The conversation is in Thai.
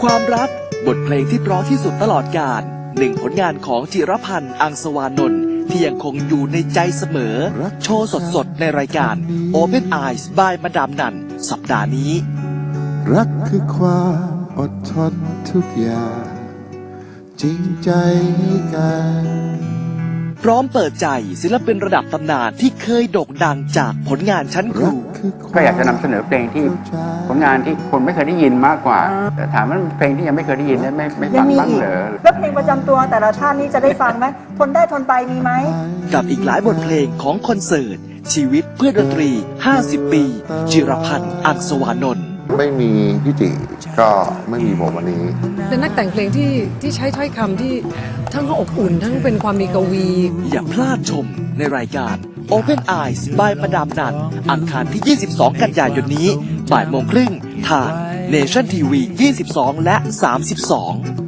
ความรักบทเพลงที่เพราะที่สุดตลอดกาลหนึ่งผลงานของจิรพันธ์ อังสวานนท์ที่ยังคงอยู่ในใจเสมอโชว์สดๆในรายการ Open Eyes by มาดามนันสัปดาห์นี้รักคือความอดทนทุกอย่างจริงใจให้กันพร้อมเปิดใจศิลปินระดับตำนานที่เคยโด่งดังจากผลงานชั้นครูก็อยากจะนำเสนอเพลงที่ผลงานที่คนไม่เคยได้ยินมากกว่าแต่ถามว่าเพลงที่ยังไม่เคยได้ยินไม่ฟังบ้างเหรอแล้วเพลงประจำตัวแต่ละท่านนี้จะได้ฟังไหมทนได้ทนไปมีไหมกับอีกหลายบทเพลงของคอนเสิร์ตชีวิตเพื่อดนตรี50 ปีจิรพันธ์ อังสวานนท์ไม่มีพี่ติก็ไม่มีผมวันนี้เป็นนักแต่งเพลงที่ใช้ถ้อยคำที่ทั้งอบอุ่นทั้งเป็นความมีกวีอย่าพลาดชมในรายการ Open Eyes by มาดามนันอังคารที่ 22 กันยายนนี้บ่ายโมงครึ่งทาง Nation TV 22 และ 32